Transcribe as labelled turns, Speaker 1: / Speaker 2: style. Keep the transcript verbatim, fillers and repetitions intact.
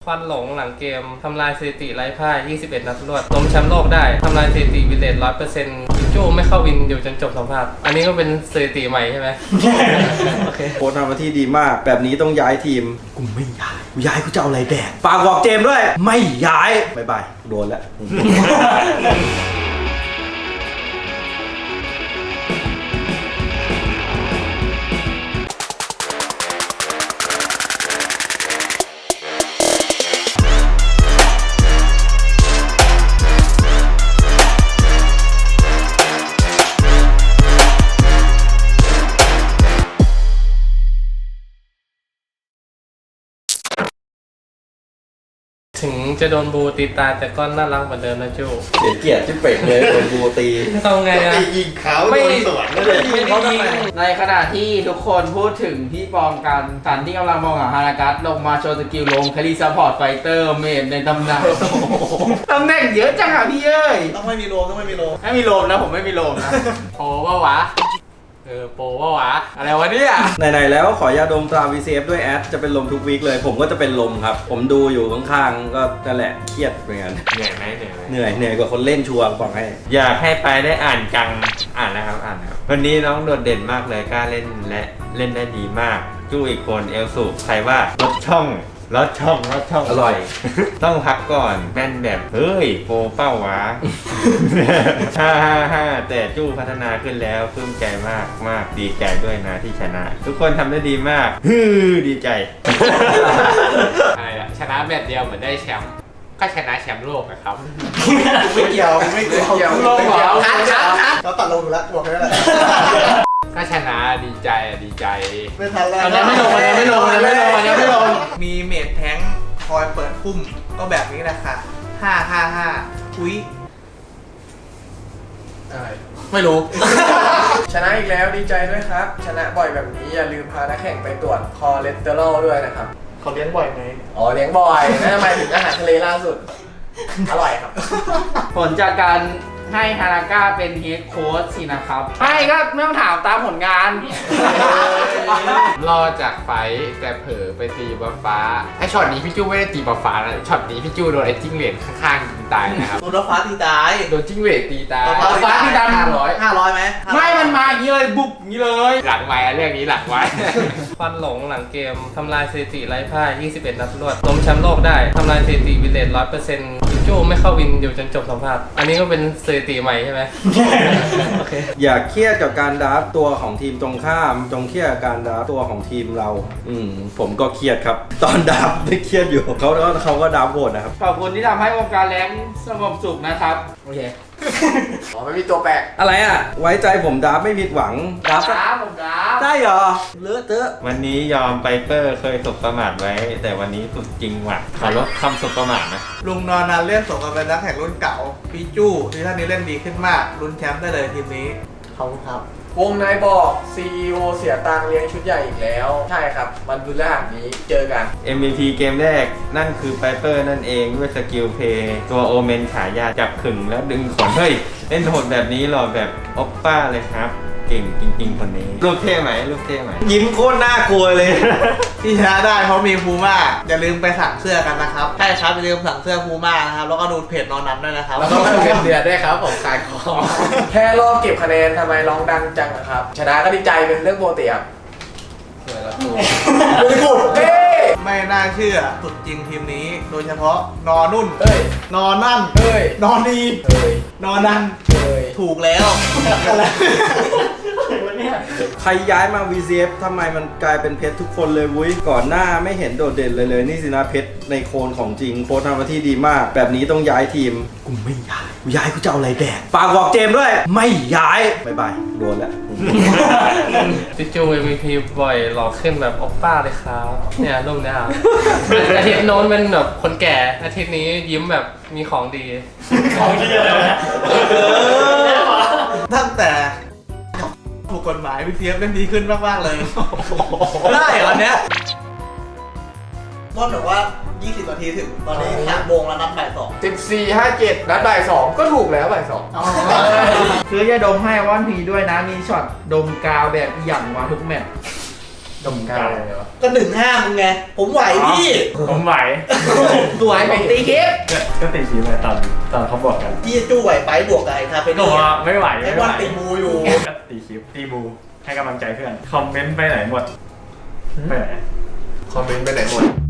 Speaker 1: ฟันหลงหลังเกมทำลายสถิติไร้พ่ายยี่สิบเอ็ดนัดรวดล้มแชมป์โลกได้ทำลายสถิติวินเลท ร้อยเปอร์เซ็นต์ จู้ไม่เข้าวินอยู่จนจบสัมภาษณ์อันนี้ก็เป็นสถิติใหม่ใช่ไหม โอเค
Speaker 2: โค้ชทำหน้าที่ดีมากแบบนี้ต้องย้ายทีมกูไม่ย้ายกูย้ายกูจะเอาอะไรแดกฝากบอกเจมด้วยไม่ย้ายบายบายโดนแล้ว
Speaker 1: ถึงจะโดนบูตีตาแต่ก็น่ารักเหมือนเดิมนะจู้
Speaker 2: เสียเกียรติที่เป่งเลยโดนบูตี
Speaker 1: ทำไงอะ
Speaker 3: ยิงเขาโดนสวนไม่ได้ยิงเขาทำไม
Speaker 4: ในขณะที่ทุกคนพูดถึงพี่ปองกันสันที่กำลังมองหาฮานากัสลงมาโชว์สกิลลงแคลรี่ซัพพอร์ตไฟเตอร์เมนในตำนานตำแหน่งเยอะจังอ่ะพี่เอ้ย
Speaker 3: ต้องไม่มีโลมต้องไม่มีโลม
Speaker 4: ไม่มีโลมนะผมไม่มีโลมนะโอ้ว่าวะเออโปว่าวะอะไรวะเนี่ย
Speaker 2: ไหนๆแล้วขอยาดมตรา วี ซี เอฟ ด้วยแอดจะเป็นลมทุกวีคเลยผมก็จะเป็นลมครับผมดูอยู่ข้างๆก็นั่นแหละเครียดเหมือนกัน
Speaker 5: เหนื่อยไหมเหนื่อยไหม
Speaker 2: เหนื่อยเหนื่อยกว่าคนเล่นชัวร์บอกให้
Speaker 5: อยากให้ไปได้อ่านจังอ่านแล้วครับอ่านครับวันนี้น้องโดดเด่นมากเลยกล้าเล่นและเล่นได้ดีมากจู้อีกคนเอลสุใครว่าลดช่องลดช่องลดช่อง
Speaker 2: อร่อย
Speaker 5: ต้องพักก่อนแม่นแบบเฮ้ยโปเป้าวะฮ่าฮ่าฮ่าแต่จู้พัฒนาขึ้นแล้วปลื้มใจมากมากดีใจด้วยนะที่ชนะทุกคนทำได้ดีมากฮือดีใจ
Speaker 4: อะไรอะชนะแมตช์เดียวเหมือนได้แชมป์ก็ชนะแชมป์โลกนะครับ
Speaker 3: ไม่เกี่ยวไม่เกี่ยว
Speaker 4: โลกเหรอคัดคัดคัด
Speaker 3: เราตัดลงอยู่แล้วบอกแค่นั้นแหละ
Speaker 4: ก็ชนะดีใจดีใจ
Speaker 3: ไม่ทันแล้ว
Speaker 4: อันนี้ไม่ลงอันนี้ไม่ลงอันนี้ไม่ลงอันนี้ไม่ลง
Speaker 3: มีเมดแทงคอยเปิดพุ่มก็แบบนี้แหละค่ะห้าห้าห้าอุ้ย
Speaker 4: ไม่รู้
Speaker 6: ชนะอีกแล้วดีใจด้วยครับชนะบ่อยแบบนี้อย่าลืมพานักแข่งไปตรวจคอเลสเตอรอลด้วยนะครับ
Speaker 3: เขาเลี้ยงบ่อยไหม
Speaker 6: อ๋อเลี้ยงบ่อยนั่นหมายถึงอาหารทะเลล่าสุดอร่อยครับ
Speaker 4: ผลจากการให้ฮานาก้าเป็นเฮดโค้ชสินะครับไม่ก็ไม่ต้องถามตามผลงานรอจากไฟแต่เผลอไปตีบัฟฟ้าไอช็อตนี้พี่จู้ไม่ได้ตีบัฟฟ้านะช็อตนี้พี่จู้โดนไอจิ้งเหลนข้างๆตีตายนะครับ
Speaker 3: โดนบัฟฟ้าตีตาย
Speaker 4: โดนจิ้งเหลนตีตายบัฟฟ้าตีตายห้าร้อย
Speaker 3: ห้าร้อยไหม
Speaker 4: ไม่มันมาอย่างนี้เลยบุบอย่างนี้เลยหลังไว้เรื่องนี้หลังไว้
Speaker 1: ฟันหลงหลังเกมทำลายสถิติไร้พ่ายยี่สิบเอ็ดนัดรวดล้มแชมป์โลกได้ทำลายสถิติวินเลท ร้อยเปอร์เซ็นต์ จู้ไม่เข้าวินอยู่จนจบสัมภาษณ์อันนี้ก็เป็นสถิติใหม่ใช่ไหมโอเค
Speaker 2: อย่าเครียดกับการดราฟตัวของทีมตรงข้ามจงเครียดกับการดราฟตัวของทีมเราอืมผมก็เครียดครับตอนดราฟไม่เครียดอยู่เขาก็เขาก็ดราฟโหดนะครับ
Speaker 4: ขอบคุณที่ทำให้วงการแรงสงบสุขนะครับโอเค
Speaker 6: อ๋อไม่มีตัวแปลก
Speaker 2: อะไรอ่ะไว้ใจผมดราฟไม่ผิดหวัง
Speaker 4: ดราฟดราฟผมดราฟ
Speaker 2: ได้เหรอเลอะเทอะ
Speaker 5: วันนี้ยอมไปเปอร์เคยสบประมาทไว้แต่วันนี้สุดจริงว่ะขอลดคำสบประมาทนะ
Speaker 3: ลุงนอนนานเล่นสมกับเป็นนักแข่งรุ่นเก่าพี่จู้ที่ท่านนี้เล่นดีขึ้นมากลุ้นแชมป์ได้เลยทีมนี้ขอบคุณครับ
Speaker 6: วงในบอก ซี อี โอ เสียตังเลี้ยงชุดใหญ่อีกแล้วใช่ครับวันพฤหัสนี้เจอกัน
Speaker 5: เอ็ม วี พี เกมแรกนั่นคือไพเปอร์นั่นเองด้วยสกิลเพย์ตัวโอเมนฉายาจับขึงแล้วดึงขนเฮ้ยเล่นโหดแบบนี้หรอแบบออปป้าเลยครับเก่งจริงๆคนนี้รูปเท่ไหมรูปเท่ไหม
Speaker 2: ยิ้มโคตรน่ากลัวเลย
Speaker 3: ที่ชนะได้เพราะมีพูม่าอย่าลืมไปสั่งเสื้อกันนะครับใช่ครับอย่าลืมสั่งเสื้อพูม่านะครับแล้วก็ดูเพจนอนนันด้วยนะครับ
Speaker 4: แล้วก็เงินเดือนด้วยครับผมขายของ
Speaker 6: แค่รอบเก็บคะแนนทำไมร้องดังจังครับชนะก็ดีใจเป็นเรื่องปกติครับ
Speaker 4: สวยแล้วตัว
Speaker 3: บริบูรณ์ไม่น่าเชื่อสุดจริงทีมนี้โดยเฉพาะนอนนุ่น
Speaker 6: เฮ้ย
Speaker 3: นอนนั่น
Speaker 6: เฮ้ย
Speaker 3: นอนดี
Speaker 6: เฮ้ย
Speaker 3: นอนนั่น
Speaker 6: เฮ้ย
Speaker 3: ถูกแล้ว
Speaker 2: ใครย้ายมา วี ซี เอฟ ทำไมมันกลายเป็นเพชรทุกคนเลยวุ้ยก่อนหน้าไม่เห็นโดดเด่นเลยเลยนี่สินะเพชรในโคนของจริงโค้ชทำหน้าที่ดีมากแบบนี้ต้องย้ายทีมกูไม่ย้ายกูย้ายกูจะเอาอะไรแดกฝากบอกเจมด้วยไม่ย้ายบายบายโดนแล้ว
Speaker 1: พี่จู เอ็ม วี พี บ่อยหล่อขึ้นแบบโอปป้าเลยครับเนี่ยรูปเนี้ยครับอาทิตย์โน้นเป็นแบบคนแก่อาทิตย์นี้ยิ้มแบบมีของดี
Speaker 4: ของดีอะไรนะ
Speaker 3: ตั้งแต่ถูกกฎหมาย วี ซี เอฟ เล่นดีขึ้นมากๆเลยได้เหรอเนี้ยต้นบอกว่ายี่สิบนาทีถึงตอนนี้สามโมงแล้วนัดบ่ายสอง
Speaker 6: สิบสี่ ห้าเจ็ดนัดบ่ายสองก็ถูกแล้วบ่ายสอง
Speaker 4: ซื้อยาดมให้ว่านพีด้วยนะมีช็อตดมกาวแบบอย่างวาทุกแมตช์
Speaker 7: ดมกาว
Speaker 3: ก็หนึ่งห้ามึงไง ผมไหวพี่
Speaker 7: ผมไหว
Speaker 4: สวยผมตีคลิป
Speaker 7: ก็ตีคีไปตอนตอนเขาบอกกัน
Speaker 3: พี่จู้ไหวไปบวกกับไอ้คาเฟ
Speaker 7: ก็
Speaker 3: นี่
Speaker 7: ว่าไม่ไหว
Speaker 3: ไอ้
Speaker 7: ไม่
Speaker 3: บ
Speaker 7: ไหว
Speaker 3: อลตีมูอยู่
Speaker 7: ก็ตีคลิปตีบูให้กำลังใจเพื่อน คอมเมนต์ไปไหนหมด ไปไหน
Speaker 6: คอมเมนต์ไปไหนหมด